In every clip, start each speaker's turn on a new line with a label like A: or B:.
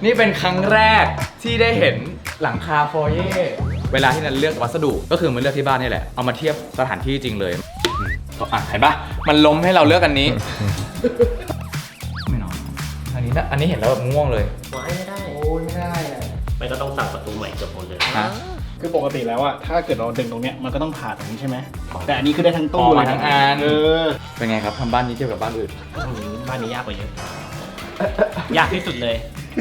A: นี่เป็นครั้งแรกที่ได้เห็นหลังคาโฟเย่เวลาที่นันเลือกวัสดุก็คือมันเลือกที่บ้านนี่แหละเอามาเทียบสถานที่จริงเลยเห็นปะมันล้มให้เราเลือกอันนี้ไม่นอนอันนี้เห็นแล้วแบบง่วงเลย
B: ไว้ไม่ได้
C: โอ้ยไม่ได้อะ
B: มันก็ต้องสั่งประตูใหม่เกือบหมดเลย
A: ฮะ
C: คือปกติแล้วอะถ้าเกิดเราดึงตรงเนี้ยมันก็ต้องผ่าตรงนี้ใช่ไหมแต่อันนี้คือได้ทั้งตู้
A: อ๋อ
C: เลย
A: ทั้งอัน
C: อ
A: เป็นไงครับทำบ้านนี้เทียบกับบ้านอื่น
B: บ้านนี้ยากกว่าเยอะ ยากที่สุดเลย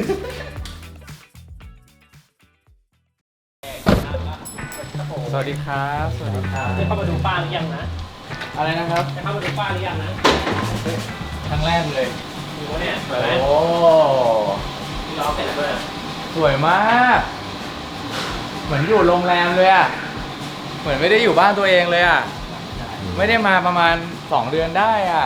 A: สวัสดีครับสวัสดีครับ
B: จะเข้ามาดูป้าหรือยังนะ
A: อะไรนะครับ
B: จะเข้ามาดูป้าหรือยังนะ
A: ครั้งแรกเลย
B: ดูเนี่ยสวยไหม
A: โอ้
B: ที่ล้อเป็นอะไรด้วย
A: สวยมากเหมือนอยู่โรงแรมเลยอ่ะเหมือนไม่ได้อยู่บ้านตัวเองเลยอ่ะไม่ได้มาประมาณ2 เดือนได้อ่ะ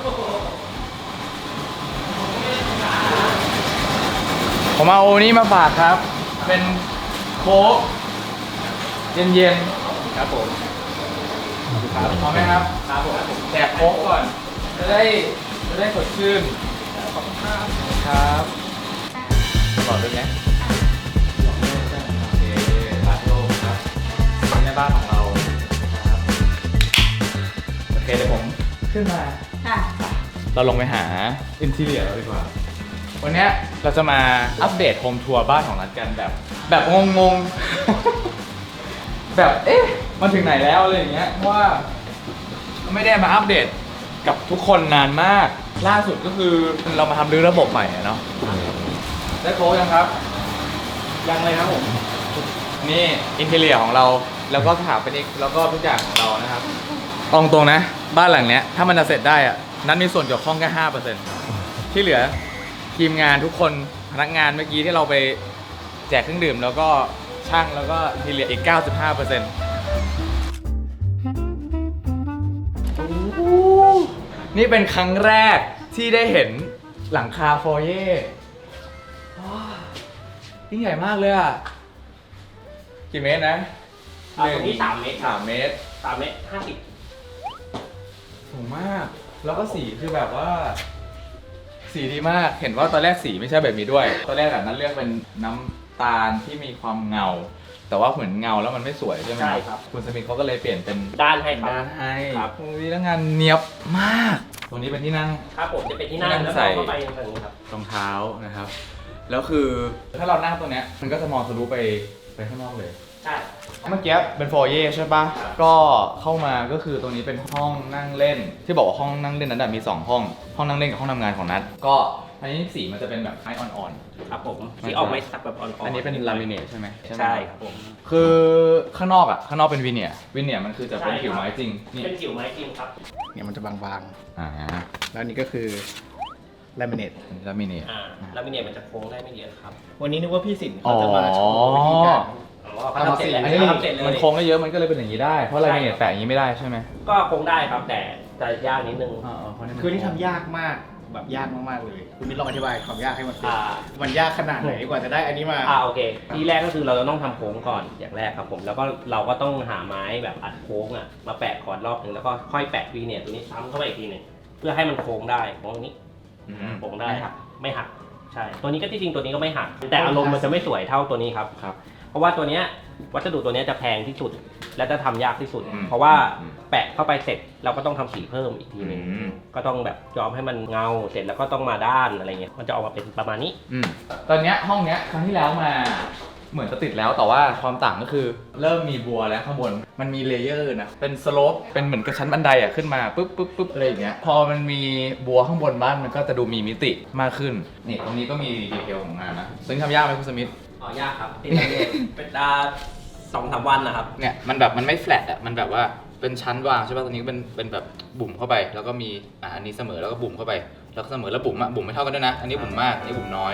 A: ผมเอานี่มาฝากครับ เป็นโค้กเย็นๆครับผมครับพร้อมไหมครับครับผมแจกโค้กก่อนจะได้สดชื่นขอบคุณครับหลอดด้วยไหมโอเคร้านโล่งครับนี่ในบ้านของเราครับโอเคเดี๋ยวผมขึ้นมา
D: ค่ะ
A: เราลงไปหาอินทีเรียเราดีกว่า วันเนี้ยเราจะมาอัปเดตโฮมทัวร์บ้านของนัดกันแบบงงๆ แบบเอ๊ะมันถึงไหนแล้วอะไรอย่างเงี้ยเพราะว่าไม่ได้มาอัปเดตกับทุกคนนานมาก ล่าสุดก็คือเรามาทำรื้อระบบใหม่อะเนาะได้โค้ชยังครับ
C: ยังเลยครับผม
A: นี่อินทีเรียของเราแล้วก็สถาปนิกแล้วก็ทุกอย่างของเรานะครับตรงนะบ้านหลังเนี้ยถ้ามันจะเสร็จได้อะนั้นมีส่วนเกี่ยวข้องแค่ 5% ที่เหลือทีมงานทุกคนพนักงานเมื่อกี้ที่เราไปแจกเครื่องดื่มแล้วก็ช่างแล้วก็อินทีเรียอีก 95%นี่เป็นครั้งแรกที่ได้เห็นหลังคาโฟเย่ยิ่งใหญ่มากเลยอ่ะกี่เมตรนะ
B: ตรงนี้3 เมตร
A: 3 เมตร
B: 3 เมตร 50
A: สูงมาก แล้วก็สีคือแบบว่า สีดีมาก เห็นว่าตอนแรกสีไม่ใช่แบบนี้ด้วย ตอนแรกแบบนั้นเลือกเป็นน้ำตาลที่มีความเงา แต่ว่าเหมือนเงาแล้วมันไม่สวยใช่ไหม
B: ใช่ครับ
A: คุณสมิธเขาก็เลยเปลี่ยนเป็น
B: ด้านให้ครับ
A: ด้านให้
B: ครับ
A: ตรงนี้แล้วงานเนียบมาก ตรงนี้เป็นที่นั่ง
B: ครับผมจะเป็นที่นั่ง
A: ที่นั่ง
B: แล้ว
A: ใส่
B: ก็เข้าไปทางนี้ครับ
A: รองเท้านะครับ แล้วคือถ้าเรานั่งตรงเนี้ยมันก็จะมองทะลุไปข้างนอกเลย
B: ใช่
A: เมื่อกี้เป็นโฟเย่ใช่ปะก็เข้ามาก็คือตรงนี้เป็นห้องนั่งเล่น ที่บอกว่าห้องนั่งเล่นนั้นมี2 ห้อง ห้องนั่งเล่นกับห้องทำงานของนัทก็อันนี้สีมันจะเป็นแบบไม้อ่อน
B: ครับผมที่ออกไม้สักแบบอ่อน
A: ๆ
B: ๆ
A: อันนี้เป็นลามิเนตใช่ไหม
B: ใช่ครับผม
A: คือข้างนอกเป็นวิเนียร์มันคือจะเป็นผิวไม้จริงนี่
B: เป็นผิวไม้จริงครับ
C: เนี่ยมันจะบาง
A: อ่า
C: ๆ แล้วอันนี้ก็คือลามิเนต
A: ลามิเนต
B: แล้วมิเนียมันจะโค้งได้ไม่เยอะครับ
C: วันนี้นึกว่าพี่สิน
A: อ๋อ
C: เขาจะมาโชว์วิธีการ
B: เขาทำเสร็จแล้ว
A: อันนี้
B: เขาทำเสร็จเลย
A: มันโค้งได้เยอะมันก็เลยเป็นอย่างนี้ได้เพราะลามิเนตแปะอย่างนี้ไม่ได้ใช่ไหม
B: ก็โค้งได้ครับแต่จะยากนิดนึง
A: เพราะนี่มัน
C: คือนี่ทำยากมากแบบยากมากๆเลยคุณมิตรลองอธิบายความยากให้มันฟัง
B: อ่า
C: มันยากขนาดไหนกว่าจะได้อันนี้มา
B: โอเคทีแรกก็คือเราจะต้องทำโค้งก่อนอย่างแรกครับผมแล้วก็เราก็ต้องหาไม้แบบอัดโค้งมาแปะก่อนรอบหนึ่งแล้วก็ค่อยแปะวีเนียร์ตัวนี้ซ้ำเข้าไปอีกทีหนึ่งเพื่อให้มันโค้งได้โค้งนี้ โค้งได้ไม่หักใช่ตัวนี้ก็ที่จริงตัวนี้ก็ไม่หักแต่อารมณ์มันจะไม่สวยเท่าตัวนี้ครับ
A: ครับ
B: เพราะว่าตัวเนี้ยวัสดุตัวเนี้ยจะแพงที่สุดและจะทำยากที่สุด
A: อืม
B: เพราะว่าแปะเข้าไปเสร็จเราก็ต้องทำสีเพิ่มอีกทีหนึง
A: อืม
B: ก็ต้องแบบย้อมให้มันเงาเสร็จแล้วก็ต้องมาด้านอะไรเงี้ยมันจะออกมาเป็นประมาณนี้
A: ตอนเนี้ยห้องเนี้ยครั้งที่แล้วมาเหมือนจะติดแล้วแต่ว่าความต่างก็คือเริ่มมีบัวแล้วข้างบนมันมีเลเยอร์นะเป็นสโลปเป็นเหมือนกระชั้นบันไดอ่ะขึ้นมาปุ๊บอะไรอย่างเงี้ยพอมันมีบัวข้างบนบ้านมันก็จะดูมีมิติมากขึ้นนี่ตรงนี้ก็มีดีเทลของงานนะซึ่งทำยากไหมคุณสมิธ
B: อ๋อยากครับติดเลยเป็น2-3 วันนะครับ
A: เนี่ยมันแบบมันไม่แฟลตอ่ะมันแบบว่าเป็นชั้นวางใช่ป่ะตรงนี้เป็นแบบบุ่มเข้าไป แล้วก็มีอันนี้เสมอแล้วก็บุ่มเข้าไปแล้วก็เสมอแล้วบุ่มบุ่มไม่เท่ากันด้วยนะอันนี้บุ่มมากอันนี้บุ่มน้อย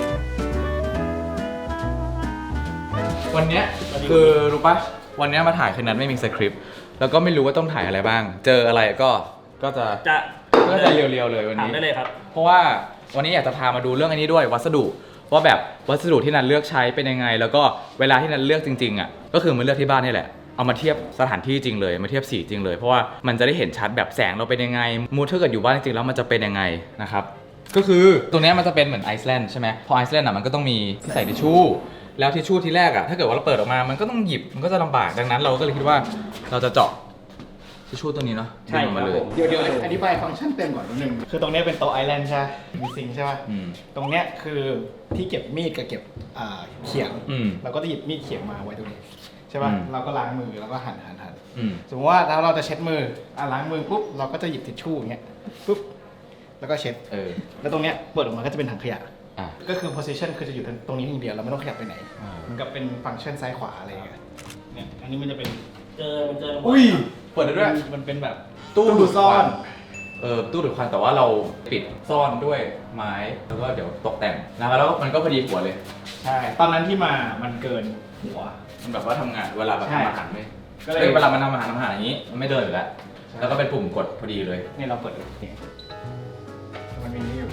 A: วันเนี้ยคือรู้ปะวันเนี้ยมาถ่ายคืนนั้นไม่มีสคริปต์แล้วก็ไม่รู้ว่าต้องถ่ายอะไรบ้าง เจออะไรก็จะเรียวๆเลยวัน
B: ถาม
A: นี้
B: ได้เลยครับ
A: เพราะว่าวันนี้อยากจะพามาดูเรื่องอันนี้ด้วยวัสดุว่าแบบวัสดุที่นันเลือกใช้เป็นยังไง แล้วก็เวลาที่นันเลือกจริงๆอ่ะก็คือมันเลือกที่บ้านนี่แหละเอามาเทียบสถานที่จริงเลยมาเทียบสีจริงเลยเพราะว่ามันจะได้เห็นชัดแบบแสงเราเป็นยังไงมูดถ้าเกิดอยู่บ้านจริงๆแล้วมันจะเป็นยังไงนะครับก็คือตรงเนี้ยมันจะเป็นเหมือนไอซ์แลนด์ใช่ไหมพอไอซ์แลนด์อ่ะมันก็ต้องมีที่ใส่ทิชชู่แล้วทิชชู่ที่แรกอ่ะถ้าเกิดว่าเราเปิดออกมามันก็ต้องหยิบมันก็จะลำบากดังนั้นเราก็เลยคิดว่าเราจะเจาะทิชชู่ตัวนี้เนาะ
B: ใช่
A: ดึงออกมาเลย
C: เดี๋ยวอธิบายฟังก์ชันเต็มก่อนนิดนึงคือตรงเนี้ยเป็นโต๊ะไอแลนด์ใช่ไหมมีซิงค์ใช่ป่ะ
A: อืม
C: ตรงเนี้ยคือที่เก็บมีดกับเก็บเขียง
A: อืม
C: เราก็จะหยิบมีดเขียงมาไว้ตรงนี้ใช่ป่ะ
A: อืม
C: เราก็ล้างมือแล้วก็หั่น
A: อืม
C: สมมติว่าแล้วเราจะเช็ดมือล้างมือปุ๊บเราก็จะหยิบทิชชู่อย่างเงี้ยปุ๊บแล้วก็เช็ด แล้วตรงเนี้ยเปิดออกมาก็จะเป็นถังขยะ
A: อ่ะ
C: ก็คือ position คือจะอยู่ตรงนี้อย่างเดียวเราไม่ต้องขยับไปไหน
A: อ่า
C: เหมือนกับเป็นฟังก์ชันซ้ายขวาอะไรอย่างเงี้ยเนี่ยอันนี้มันจะเป็น
B: เกิน
A: อุ้ยเปิดได้ด้วย
C: มันเป็นแบบ
A: ตู้
C: ดูดซ่อน
A: ตู้ดูดควันแต่ว่าเราปิดซ่อนด้วยไม้แล้วก็เดี๋ยวตกแต่งนะครับแล้วมันก็พอดีหัวเลย
C: ใช่ตอนนั้นที่มามันเกินหัว
A: มันแบบว่าทำงานเวลาแบบ
C: ใช่
A: ทำอาหารไม่
C: ก็เลย
A: เวลามันทำอาหารอย่างนี้มันไม่เดินอยู่แล้วแล้วก็เป็นปุ่มกดพอดีเลย
C: เนี่ยเราเปิดเนี่ยมันมีนี่อยู่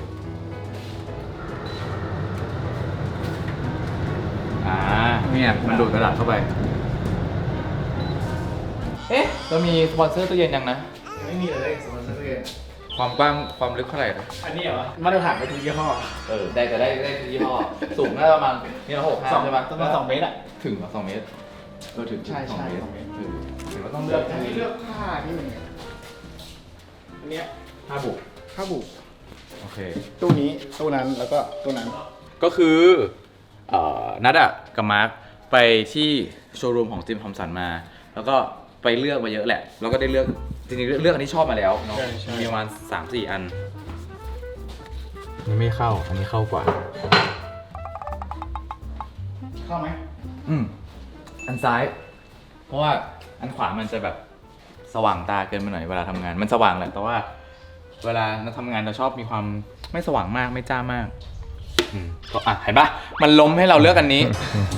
A: เนี่ยมันดูดกระดาษเข้าไปเอ๊ะเรามีสปอนเซอร์ตู้เย็นยังนะ
C: ไม่มีเลยสมมติเลย
A: ความกว้างความลึกเท่าไหร่นะ
C: อันนี้เหรอมาตรฐานไปทุกยี่ห้อ
A: ได้แต่ได้ทุกยี่ห้อสูงน่าจะประมาณนี่ละ6 5ใช่ปะ
C: ประมาณ2 เมตรอ่ะ
A: ถึงเหรอ2 เมตรถึง
C: ใช่
A: 2 เมตร
C: 2 เมตร
A: ถือว่าต้องเลือก
C: ให้เลือกผ้าที่มันอันเนี้ย
A: ผ้าบุก
C: ผ้าบุ
A: โอเค
C: ตู้นี้ตู้นั้นแล้วก็ตู้นั้น
A: ก็คือนัดอะกับมาร์คไปที่โชว์รูมของจิมทอมสันมา แล้วก็ไปเลือกมาเยอะแหละ แล้วก็ได้เลือกจริงๆเลือกอันที่ชอบมาแล้วเนาะ
C: ใช่
A: มีประมาณ 3-4 อันนี่ไม่เข้าอันนี้เข้ากว่า
C: เข้าไหม
A: อันซ้าย เพราะว่าอันขวามันจะแบบสว่างตาเกินไปหน่อยเวลาทำงานมันสว่างแหละแต่ว่า เวลาเราทำงานเราชอบมีความไม่สว่างมากไม่จ้ามากก็เห็นปะมันล้มให้เราเลือกอันนี้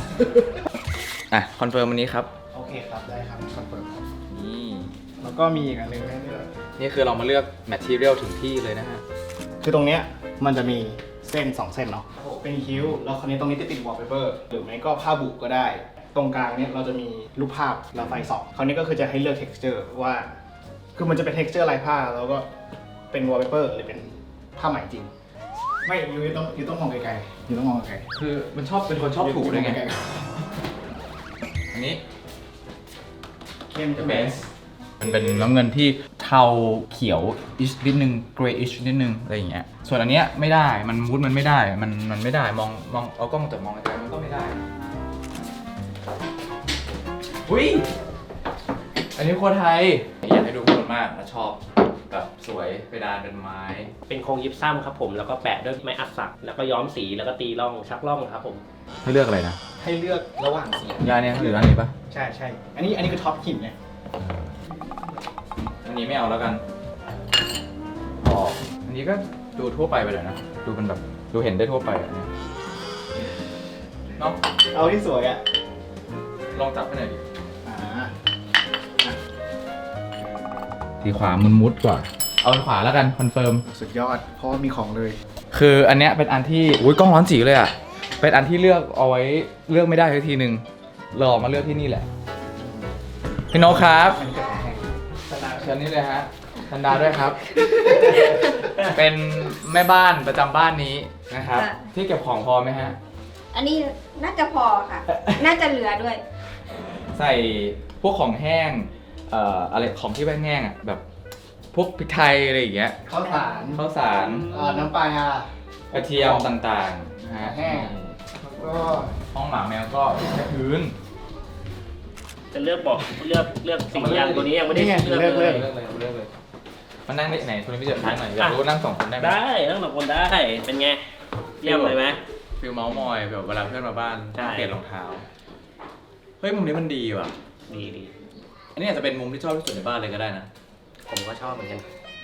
A: คอนเฟิร์มอันนี้ครับ
C: โอเคครับได้ครับคอนเฟิร์มครับ
A: นี่
C: แล้วก็มีอีกอันหนึงให้เลือก
A: นี่คือเรามาเลือกแมททีเรียลถึงที่เลยนะฮะ
C: คือตรงเนี้ยมันจะมีเส้น2 เส้นเนาะเป็นคิ้วแล้วคราวนี้ตรงนี้จะติดวอลเปเปอร์หรือไม่ก็ผ้าบุก็ได้ ตรงกลางเนี่ยเราจะมีรูปภาพแล้วไฟส่องคราวนี้ก็คือจะให้เลือก texture ว่าคือมันจะเป็น texture ลายผ้าแล้วก็เป็นวอลเปเปอร์หรือเป็นผ้าไหมจริง ไม่ยูต้องมองไกลๆยูต้องมองไกล
A: คือมันชอบเป็นคนชอบถูกด้วยไง
C: ไกล
A: อันนี้
C: ๆเข้มจะ
A: เบ
C: เป็น
A: สมันเป็นน้ำเงินที่เทาเขียวอิชนิดนึงเกรย์อิชนิดนึงอะไรอย่างเงี้ยส่วนอันเนี้ยไม่ได้มันมูดมันไม่ได้มันไม่ได้มองเอากล้องแต่มองไกลๆมันก็ไม่ได้อุ้ยอันนี้โคตรไทยอยากให้ดูคนมากนะชอบแบบสวยเพดานเป็นไม้
B: เป็นโครงยิปซัมครับผมแล้วก็แปะด้วยไม้อัดสักแล้วก็ย้อมสีแล้วก็ตีร่องชักร่องครับผม
A: ให้เลือกอะไรนะ
C: ให้เลือกระหว่างสี
A: ยาเนี่ยหรืออันนี้ปะ
C: ใช่ใช่อันนี้คือท็อปหินเนี่ย
A: อันนี้ไม่เอาแล้วกันอ๋ออันนี้ก็ดูทั่วไปเลยนะดูเป็นแบบดูเห็นได้ทั่วไปอันนี้เนาะ
C: เอาที่สวยอ่ะ
A: ลองจับให้หน่อยดิ
C: อ่า
A: สีขวามันมุดกว่า เอาขวาแล้วกันคอนเฟิร์ม
C: สุดยอดเพราะว่ามีของเลย
A: คืออันเนี้ยเป็นอันที่อุ้ยกล้องร้อนจีเลยอ่ะ เป็นอันที่เลือกเอาไว้เลือกไม่ได้สักทีหนึ่งเราออกมาเลือกที่นี่แหละ พี่โนกครับ
C: อันนี้ก็ของแห้งสตาร์
A: เชิญนี่เลยฮะธันดาด้วยครับ เป็นแม่บ้านประจำบ้านนี้นะครับ
D: ค่ะ
A: ที่เก็บของพอไหมฮะ
D: อันนี้น่าจะพอค่ะ น่าจะเหลือด้วย
A: ใส่พวกของแห้งอะไรของที่แห้งๆอ่ะแบบพวกพริกไทยอะไรอย่างเงี้ย
C: ข้าวสาร
A: ข้าวสาร
C: น้ำปลาก
A: ระเทียมต่างๆนะฮะ
C: แห้ง แล้วก็
A: ห้องหมาแมวก็แค่พื้น
B: จะเลือกบอกเลือกสีอย่างตัวนี้ยังไม่ได้เลือกเลย
A: เลือกเลยมันนั่งได้ไหนคุณพี่เจอท้ายหน่อยอยากรู้ว่านั่งสองคนได้ไหม
B: ได้ทั้งสองคนได้เป็นไงเยี่ยมเลยไหม
A: ฟิลเมาส์มอยแบบเวลาเพื่อนมาบ้าน
B: ใช่
A: เปลี่ยนรองเท้าเฮ้ยมุมนี้มันดีว่ะ
B: ดี
A: อันนี้อาจจะเป็นมุมที่ชอบที่สุดในบ้านเลยก็ได้นะ
B: ผมก็ชอบเหมือนกัน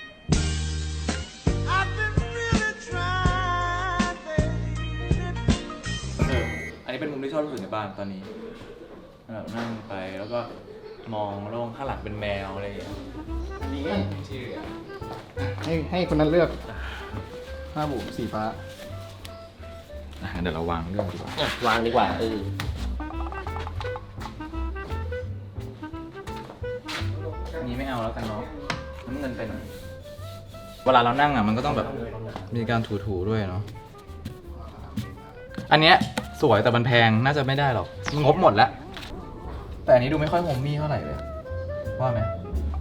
A: อันนี้เป็นมุมที่ชอบที่สุดในบ้านตอนนี้แบบนั่งไปแล้วก็มองโล่งข้างหลังเป็นแมวอะไรอย่างเงี้ย
C: อันนี้
A: ที่เหลือ
C: ให้คนนั้นเลือกผ้าบุสีฟ้า
A: เดี๋ยวเราวางเรื่องดีกว่า
B: วางดีกว่า
A: อันนี้ไม่เอาแล้วกันเนาะน้ำเงินไปหน่อยเวลาเรานั่งอ่ะมันก็ต้องแบบมีการถูๆด้วยเนาะอันเนี้ยสวยแต่มันแพงน่าจะไม่ได้หรอกงบหมดแล้วแต่อันนี้ดูไม่ค่อยโฮมมี่เท่าไหร่เลยว่าไหม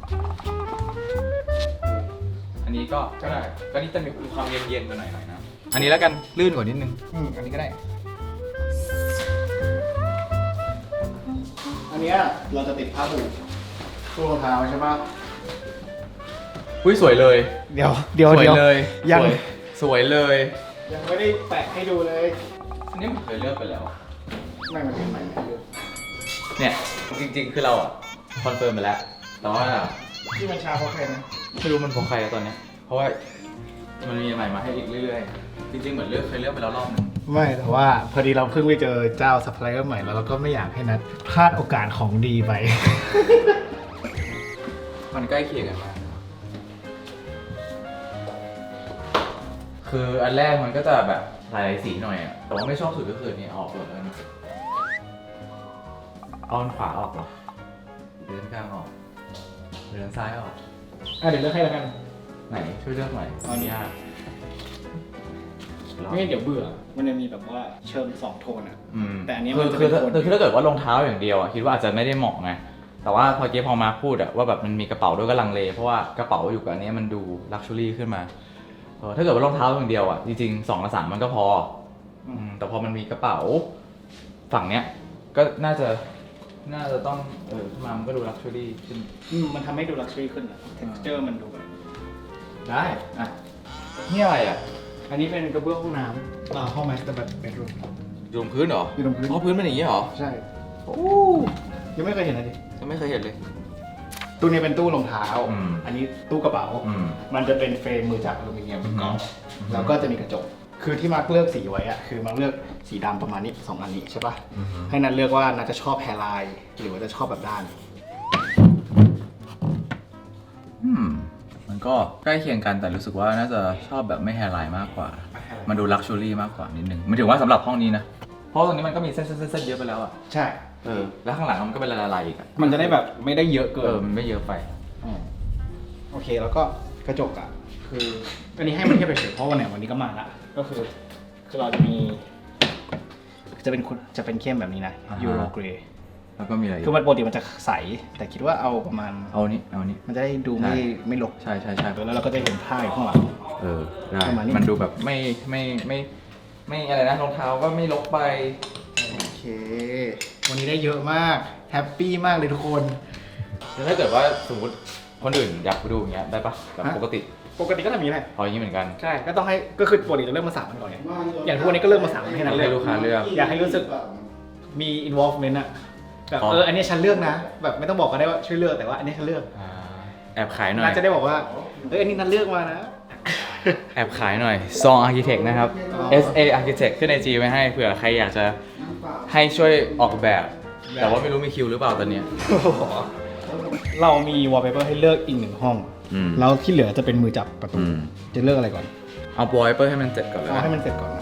A: อันนี้ก็ได้ก็นี่จะมีความเย็นๆกันหน่อยๆนะอันนี้แล้วกันลื่นกว่านิดนึงอันนี้ก็ได้
C: อันเนี้ยเราจะติดผ้าบูตู้รองเท้าใช่ปะ
A: อุ้ยสวยเลย
C: เดี๋ยว
A: สวยเลย
C: ยัง
A: สวยเลย
C: ยังไม่ได้แปะให้ดูเลย
A: อันนี้ผมเคยเลือกไปแล้ว
C: ไม่มันเป็นใหม่ไม่รู้
A: เนี่ยจริงๆคือเราอะคอนเฟิร์มไปแล้วแต่ว่า
C: ที่มันชาเพราะใครนะ
A: ไม่รู้มันของใครอะตอนเนี้ยเพราะว่ามันมีใหม่มาให้อีกเรื่อยๆจริงๆเหมือนเคยเลือกไปแล้วรอบนึง
C: ไม่แต่ว่าพอดีเราเพิ่งไปเจอเจ้าซัพพลายเออร์ใหม่แล้วเราก็ไม่อยากให้นัดพลาดโอกาสของดีไป
A: มันใกล้เคียงกันมากคืออันแรกมันก็จะแบบหลายสีหน่อยอะแต่ว่าไม่ชอบสุดก็คือนี่ออกหมดแล้วนะเอาอันขวาออกเหรอหรืออันกลางออกหรืออันซ้ายออก
C: เดี๋ยวเลือกให้แล้วกัน
A: ไหนช่วยเลือกหน่อยตอนนี้ยาก
C: ไม่งั้นเดี๋ยวเบื่อ มันจะมีแบบว่าเชิง2 โทนอ่ะ แต่อันนี้
A: คื
C: มัน
A: อ
C: จะ
A: คื
C: เป็
A: อน
C: โทน
A: คือถ้าเกิดว่ารองเท้าอย่างเดียวอะคิดว่าอาจจะไม่ได้เหมาะไงแต่ว่าพอเจ๊พอมาพูดอะว่าแบบมันมีกระเป๋าด้วยก็ลังเลเพราะว่ากระเป๋าอยู่กับอันนี้มันดูลักชัวรี่ขึ้นมาถ้าเกิดว่ารองเท้าอย่างเดียวอะจริงๆ2 กับ 3มันก็พอแต่พอมันมีกระเป๋าฝั่งเนี้ยก็น่าจะต้องขึ้นมามันก็ดูลักชัวรี่ขึ้น
C: มันทำให้ดูลักชัวรี่ขึ้นอ่ะ texture มันดูแบบ
A: ได้อะนี่อะไรอะ
C: อันนี้เป็นกระเบื้องห้องน้ำห้อง master bedroom
A: อยู่บนพื้นเหรอ
C: อยู่บนพื้น
A: อ๋อพื้นเป็นอย่างนี้เหรอ
C: ใช่ยังไม่เคยเห็นเลยดิ
A: ยังไม่เคยเห็นเลย
C: ตู้นี้เป็นตู้รองเท้า
A: อืม
C: อันนี้ตู้กระเป๋า
A: อืม
C: มันจะเป็นเฟรมมือจับอลูมิเนียม
A: อืม
C: กรอบแล้วก็จะมีกระจก คือที่มาร์คเลือกสีไว้อะคือมาร์คเลือกสีดำประมาณนี้2 อันนี้ใช่ปะให้นัดเลือกว่านัดจะชอบแฮร์ไลน์หรือว่าจะชอบแบบด้าน
A: มันก็ใกล้เคียงกันแต่รู้สึกว่าน่าจะชอบแบบไม่แฮร์ไลน์มากกว่า มันดูลักชัวรี่มากกว่านิดนึงหมายถึงว่าสำหรับห้องนี้นะ เพราะตรงนี้มันก็มีเส้นเยอะไปแล้วอ่ะ
C: ใช่
A: แล้วข้างหลังมันก็เป็นลายๆอีกอ่ะ
C: มันจะได้แบบไม่ได้เยอะเกิน
A: มันไม่เยอะไป
C: โอเคแล้วก็กระจกอ่ะคืออันนี้ให้มันเทียบไปเฉยเพราะวันไหนวันนี้ก็มาละก็คือเราจะมีจะเป็นเข้มแบบนี้นะ
A: อ่าฮะ
C: ยูโรเกรย์
A: แล้วก็มีอะไรอีก
C: คือมันปกติมันจะใสแต่คิดว่าเอาประมาณ
A: เอานี้
C: มันจะได้ดู
A: ใช่
C: ไม่รก
A: ใช่
C: แล้วเราก็จะเห็นผ้าอยู่ข้างหลัง
A: ได้
C: ประมาณนี้
A: มันดูแบบไม่อะไรนะรองเท้าก็ไม่ลกไป
C: โอเค วันนี้ได้เยอะมากแฮปปี้มากเลยทุกคน
A: แล้วถ้าเกิดว่าสมมติคนอื่นอยากไปดูอย่างเงี้ยได้ปะแบบ
C: ฮะ
A: ปกติ
C: ปกติก็ทำอย่างนี้แหละ
A: พออย่างนี้เหมือนกัน
C: ใช่ก็ต้องให้ก็คือปกติจะเริ่มมา3 วันก่อนไงอย่างทุกวันนี้ก็เริ่มมา3 วันให้นัดเลื
A: ให้
C: อก
A: ลูกค้าเลือก
C: อยากให้รู้สึกมี involvement อะแบบ
A: อ๋อ
C: อันนี้ฉันเลือกนะ แบบไม่ต้องบอกก็ได้ว่าช่วยเลือกแต่ว่าอันนี้ฉันเลือก
A: แอบขายหน่อย
C: นัดจะได้บอกว่าอันนี้นัดเลือกมานะ
A: แอบขายหน่อยซอง Architect นะครับ SA Architect ขึ้นใน G ไว้ให้เผื่อใครอยากจะให้ช่วยออกแบบ แต่ว่าไม่รู้มีคิวหรือเปล่าตอนเนี้ย
C: เรามี wallpaper ให้เลือกอีก1 ห้อง
A: อืม
C: แล้วที่เหลือจะเป็นมือจับประตู
A: อืม
C: จะเลือกอะไรก่อน
A: เอาบอยเปอร์ให้มันเสร็จก่อนเลย
C: เอาให้มันเสร็จก่อนนะ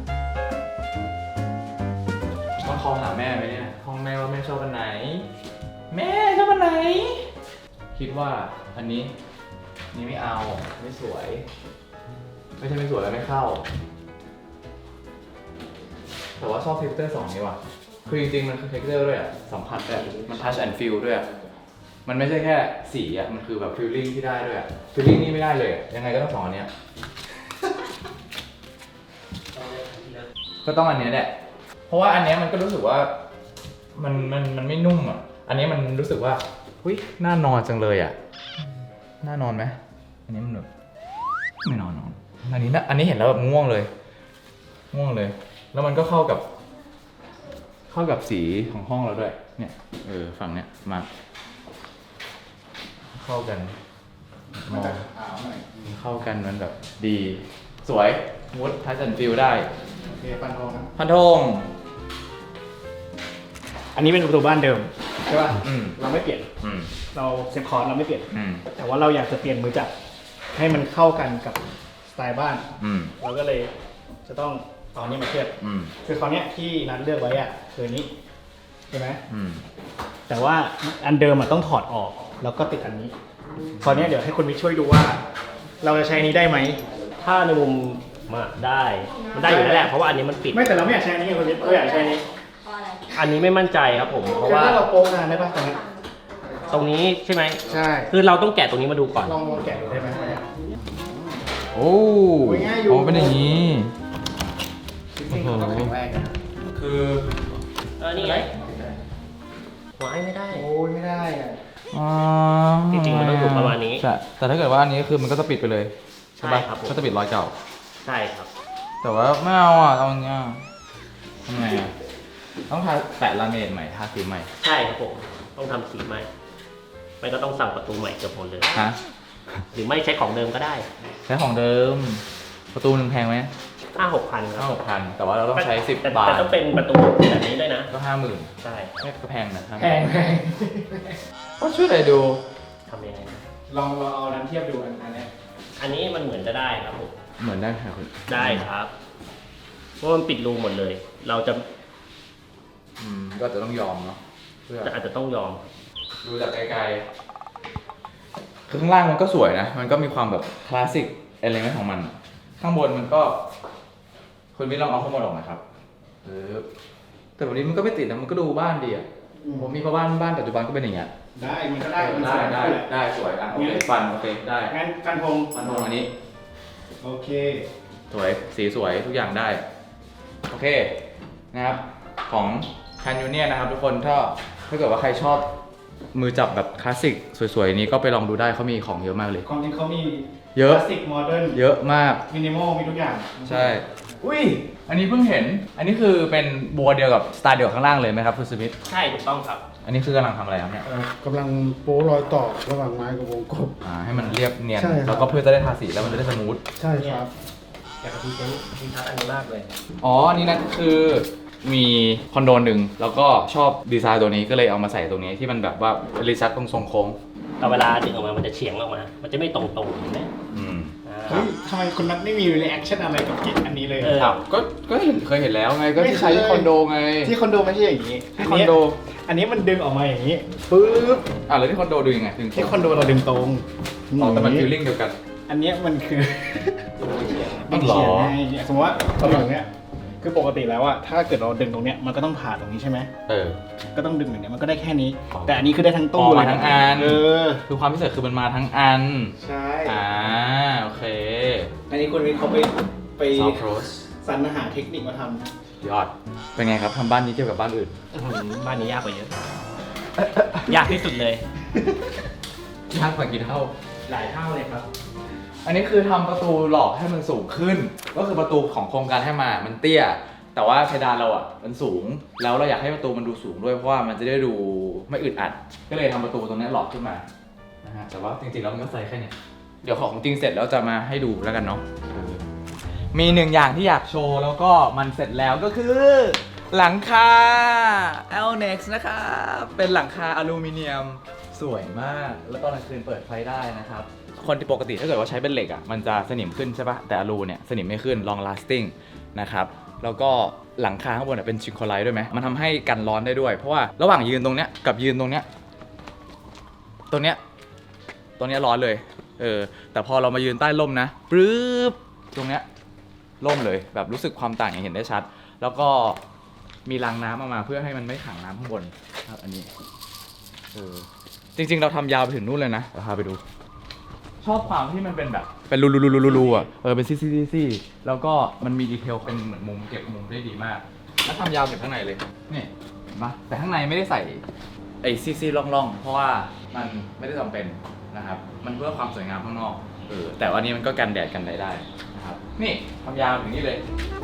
A: ต้องคอหาแม่ไหมเนี่ยห้องแม่ว่าแม่ชอบอันไหน แม่ชอบอันไหน คิดว่าอันนี้นี่ไม่เอาไม่สวย ไม่ใช่ไม่สวยแล้วไม่เข้า แต่ว่าชอบเทคเจอร์2นี้ว่ะคือจริงๆมันคือเทคเจอร์ด้วยอ่ะสัมผัสด้วยมัน touch and feel ด้วยอะมันไม่ใช่แค่สีอ่ะมันคือแบบ feeling ที่ได้ด้วยอ่ะ feeling นี่ไม่ได้เลยอะยังไงก็ต้อง2 อันเนี้ย ก็ต้องอันเนี้ยแหละ เพราะว่าอันเนี้ยมันก็รู้สึกว่ามันไม่นุ่มอ่ะ อันนี้มันรู้สึกว่าหุ้ยน่านอนจังเลยอ่ะ น่านอนไหมอันนี้มันแบบไม่นอนอันนี้เห็นแล้วแบบง่วงเลย แล้วมันก็เข้ากับสีของห้องเราด้วย เนี่ยฝั่งเนี้ยมาเข้ากันมองเข้ากันมันแบบดีสวยมูดทัชแอนด์ฟิลได้
C: โอเคฟันทองนะ
A: พันธง
C: อันนี้เป็นประตูบ้านเดิมใช่ป่ะ
A: อืม
C: เราไม่เปลี่ยน
A: อืม
C: เราเซฟคอร์สเราไม่เปลี่ยน
A: อืม
C: แต่ว่าเราอยากจะเปลี่ยนมือจับให้มันเข้ากันกับสไตล์บ้าน
A: อืม
C: เราก็เลยจะต้องเอาอันนี้มาเทียบ
A: อืม
C: คือคราวเนี้ยที่นัดเลือกไว้อะคืออันนี้ใช่ไหม
A: อืม
C: แต่ว่าอันเดิมอะต้องถอดออกแล้วก็ติดอันนี้คราวเนี้ยเดี๋ยวให้คุณวิทย์ช่วยดูว่าเราจะใช้นี้ได้ไหม
B: ถ้าในมุมมาได้มันได้อยู่แล้วแหละเพราะว่าอันนี้มันปิด
C: ไม่แต่เราไม่อยากใช้อันนี้ไงคุณวิทย์เราอยากใช้อันนี้
D: เพราะอะไร
B: อันนี้ไม่มั่นใจครับผมเพราะ
C: คือ
B: ว่า
C: ถ้าเราโป๊กงานได้ป่ะตรงนี้
B: ตรงนี้ใช่ไหม
C: ใช่
B: คือเราต้องแกะตรงนี้มาดูก่อน
C: ลองแกะดูได้ไหม
A: โอ้
C: โอ้ยง่ายอยู่
A: โอ้เป็นอย่างนี้
C: จริงๆเขาก็แข็งแรงนะ
A: คือ
B: นี่ไงไว้ไม่ได้
C: โอ้ยไม่ได้อะ
A: อ๋อ
B: จริงๆมันต้องอยู่ประมาณนี้
A: ใช่แต่ถ้าเกิดว่าอันนี้คือมันก็จะปิดไปเลยใช่ปะ
B: ใช่ครับผม
A: ก็จะปิดรอยเก่า
B: ใช่ครับ
A: แต่ว่าไม่เอาอ่ะเอาอย่างเงี้ยทำไงอ่ะต้องทาแปะลาเมดใหม่ทาสีใหม่
B: ใช่ครับผมต้องทำสีใหม่ไม่ก็ต้องสั่งประตูใหม่เกือบหมดเลย
A: ฮะ
B: หรือไม่ใช้ของเดิมก็ได้
A: ใช้ของเดิมประตูหนึ่งแพงไหม
B: 5-6,000ครับ
A: 5,000แต่ว่าเราต้องใช้10
B: แต่
A: บาท
B: แต่ต้องเป็นประตูแบบนี้ด้วยนะ
A: ก็50,000
B: ใช่
A: ไม่ก็แพงนะ
C: แพง
A: ก็ช่วยอะไรดู
B: ทำยังไงนะ
C: ลองเราเอานั้นเทียบดูอันนี้
B: อันนี้มันเหมือนจะได้ครับผม
A: เหมือนได้ค่ะคุณ
B: ได้ครับเพราะมันปิดรูหมดเลย เราจะ
A: ก็จะต้องยอมเนาะเพื่อ
B: อาจจะต้องยอม
A: ดูจากไกลๆคือข้างล่างมันก็สวยนะ มันก็มีความแบบคลาสสิกอะไรเงี้ยของมัน ข้างบนมันก็คุณวิทย์ลองเอาข้างบนออกนะครับแต่วันนี้มันก็ไม่ติดนะ มันก็ดูบ้านดีอ่ะ ผมมีเพราะบ้านปัจจุบันก็เป็นอย่างเงี้ย
C: ได้มันก็ได้มันสวยแหละ
A: ได้สวยอ่ะโอเคฟันโอเคได้
C: งั้นฟันธง
A: ฟันธงอันนี้
C: โอเค
A: สวยสีสวยทุกอย่างได้ โอเคนะครับของคันยูเนียนะครับทุกคนถ้าเกิดว่าใครชอบมือจับแบบคลาสสิกสวยๆนี้ก็ไปลองดูได้เขามีของเยอะมากเลย
C: ความจริงเขามี
A: เยอะ
C: คลาสสิกโมเดิร์น
A: เยอะมาก
C: มินิมอลมีทุกอย่าง
A: ใช่ อุ้ยอันนี้เพิ่งเห็น อันนี้คือเป็นบัวเดียวกับสไตล์เดียวกับข้างล่างเลยไหมครับคุณสมิธ
B: ใช่ถูกต้องครับ
A: อันนี้คือกำลังทำอะไรครับเนี่ย
E: กำลังโป๊รอยต่อระหว่างไม้กับวงกบ
A: ให้มันเรียบเนียน
E: ใช่ครับ
A: แล้วก็เพื่อจะได้ทาสีแล้วมันจะได้สมูท
E: ใช่ครับ
B: อยากจะพรีเซนต์ดีทัศน์อันนี้มากเลย
A: อ๋ออันนี่นะคือมีคอนโดหนึ่งแล้วก็ชอบดีไซน์ตัวนี้ก็เลยเอามาใส่ตรงนี้ที่มันแบบว่ารีซัตตรงทรงโค้ง
B: แต่เวลาดึงออกมามันจะเฉียงออกมา มันจะไม่ตรงๆเห็นไหม
A: อืม
C: เฮ้ยทำไมคุณนัทไม่มีรีแอคชั่นอะไรกับกิจอันนี้เลย
A: อ้าวก็เคยเห็นแล้วไงก็ที่ใช้ที่คอนโดไง
C: ที่คอนโดไม่ใช่อย่างนี้
A: ที่คอนโด
C: อันนี้มันดึงออกมาอย่างนี้ปึ๊บ
A: แล้วที่คอนโดดูยังไงถึง
C: ที่คอนโดเราดึงตรง
A: อ๋อแต่มันฟีลลิ่งเดียวกัน
C: อันเนี้ยมันคือ
A: อ๋อเหรอ
C: เขียนไงสมมติว่าตรงเนี้ยคือปกติแล้วอะถ้าเกิดเราดึงตรงเนี้ยมันก็ต้องผ่าตรงนี้ใช่ไหม ก็ต้องดึงอย่างเนี้ยมันก็ได้แค่นี้
A: อ๋อ
C: แต่อันนี้คือได้ทั้งตู้
A: อ๋อ
C: เลย
A: มาทั้งอัน
C: อ
A: คือความพิเศษคือมันมาทั้งอัน
C: ใช่
A: โอเค
C: อันนี้คุณวิทย์เขาไป
A: ซอฟต์โรส
C: สรรหาเทคนิคมาท
A: ยอด เป็นไงครับทำบ้านนี้เทียบกับบ้านอื่น
B: บ้านนี้ยากกว่าเยอะ ยากที่สุดเลย
A: ยากกว่ากี่เท่า
C: หลายเท่าเลยครับ
A: อันนี้คือทำประตูหลอกให้มันสูงขึ้น ก็คือประตูของโครงการให้มามันเตี้ย แต่ว่าเพดานเราอ่ะมันสูง แล้วเราอยากให้ประตูมันดูสูงด้วยเพราะว่ามันจะได้ดูไม่อึดอัด ก็เลยทำประตูตรงนี้หลอกขึ้นมา นะฮะ แต่ว่าจริงๆแล้วมันก็ใส่แค่เนี้ยเดี๋ยวของจริงเสร็จแล้วจะมาให้ดูแล้วกันเนาะ มีหนึ่งอย่างที่อยากโชว์แล้วก็มันเสร็จแล้วก็คือ หลังคา Elnex นะครับ เป็นหลังคาอลูมิเนียมสวยมาก แล้วตอนกลางคืนเปิดไฟได้นะครับ คนที่ปกติถ้าเกิดว่าใช้เป็นเหล็กอ่ะมันจะสนิมขึ้นใช่ปะแต่อลูเนี่ยสนิมไม่ขึ้น long lasting นะครับ แล้วก็หลังคาข้างบนเป็นชิงโคไลท์ด้วยไหมมันทำให้กันร้อนได้ด้วย เพราะว่าระหว่างยืนตรงเนี้ยกับยืนตรงเนี้ยตรงเนี้ยร้อนเลย แต่พอเรามายืนใต้ร่มนะปึ๊บตรงเนี้ยร่มเลยแบบรู้สึกความต่างอย่างเห็นได้ชัด แล้วก็มีรางน้ำออกมาเพื่อให้มันไม่ขังน้ำข้างบนครับอันนี้จริงๆเราทำยาวไปถึงนู่นเลยนะเดี๋ยวพาไปดู ชอบความที่มันเป็นแบบเป็นรูๆอ่ะเป็นซี่ๆๆแล้วก็มันมีดีเทลเป็นเหมือนมุมเก็บมุมได้ดีมากแล้วทำยาวถึงข้างในเลยนี่เห็นปะแต่ข้างในไม่ได้ใส่ไอ้ซี่ๆร่องๆเพราะว่ามันไม่ได้จำเป็นนะครับมันเพื่อความสวยงามข้างนอกแต่ว่านี้มันก็กันแดดกันได้นะครับนี่ทำยาวถึงนี่เลย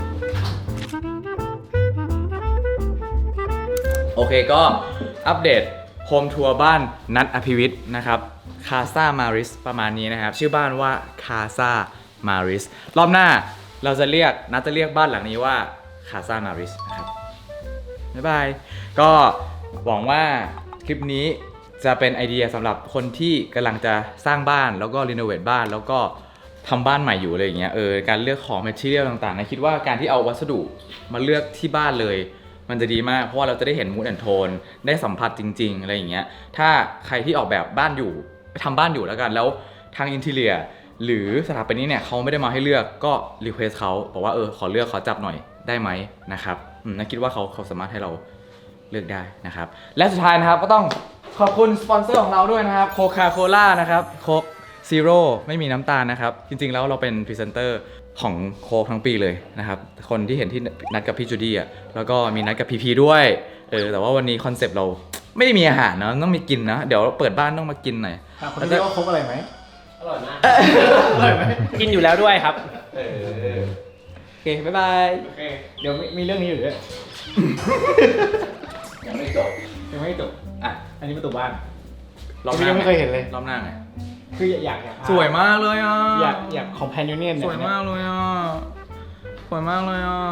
A: โอเคก็อัปเดตโฮมทัวร์บ้านนัทอภิวิทย์นะครับคาซามาริสประมาณนี้นะครับชื่อบ้านว่าคาซามาริสรอบหน้าเราจะเรียกนัทจะเรียกบ้านหลังนี้ว่าคาซามาริสนะครับบ๊ายบายก็หวังว่าคลิปนี้จะเป็นไอเดียสำหรับคนที่กำลังจะสร้างบ้านแล้วก็รีโนเวทบ้านแล้วก็ทำบ้านใหม่อยู่อะไรอย่างเงี้ยการเลือกของแมททีเรียลต่างๆนะคิดว่าการที่เอาวัสดุมาเลือกที่บ้านเลยมันจะดีมากเพราะว่าเราจะได้เห็นมูดแอนโทนได้สัมผัสจริงๆอะไรอย่างเงี้ยถ้าใครที่ออกแบบบ้านอยู่ไปทำบ้านอยู่แล้วกันแล้วทางอินทีเรียหรือสถาปนิกเนี่ยเขาไม่ได้มาให้เลือกก็รีเควสเขาบอกว่าขอเลือกขอจับหน่อยได้ไหมนะครับน่าคิดว่าเขาสามารถให้เราเลือกได้นะครับและสุดท้ายนะครับก็ต้องขอบคุณสปอนเซอร์ของเราด้วยนะครับโคคาโคล่านะครับโค้กซีโร่ไม่มีน้ำตาลนะครับจริงๆแล้วเราเป็นพรีเซนเตอร์ของโค้กทั้งปีเลยนะครับคนที่เห็นที่นัดกับพี่จูดี้แล้วก็มีนัดกับพีพีด้วยแต่ว่าวันนี้คอนเซปต์เราไม่ได้มีอาหารนะต้องมีกินนะเดี๋ยวเปิดบ้านต้องมากินหน่อย
C: คนนี้ว่าครบอะไรไหม
B: อร่อยมาก
C: อร่อยไหม
B: กินอยู่แล้วด้วยครับ
A: โอเคบ๊ายบาย
C: โอเค เดี๋ยวมีเรื่องนี้อยู่ด้วย
A: ยังไม่จบ
C: ยังไม่จบ
A: อ่ะ
C: อันนี้ประตูบ้าน
A: รอบหน้า
C: ยังไม่เคยเห็นเลย
A: รอบหน้าไง
C: คืออยาก
A: สวยมากเลยอ่ะ
C: อยากคอมเพนยูเนียน
A: สวยมากเลยอ่ะสวยมากเลยอ่ะ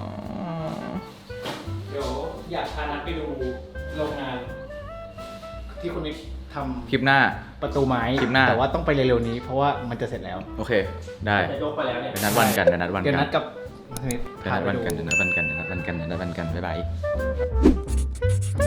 B: เดี๋ยวอยากพานัดไปดูโรงงาน
C: ที่คุณนิกท
A: คลิปหน้า
C: ำประตูไม้
A: คลิปหน้า
C: แต่ว่าต้องไปเร็วๆนี้เพราะว่ามันจะเสร็จแล้ว
A: โอเค ได้
B: จะยกไปแล้วเนี่ย
A: เป็นนัดวันกันเป็นนัดวัน
C: เดี๋ยว
A: กั
C: นั
A: น
C: ดกับคุณนิก
A: เป็นนัดวันกันเป็นนัดวันกันเป็นนัดวันกันเป็นนัดวันกันบ๊ายบาย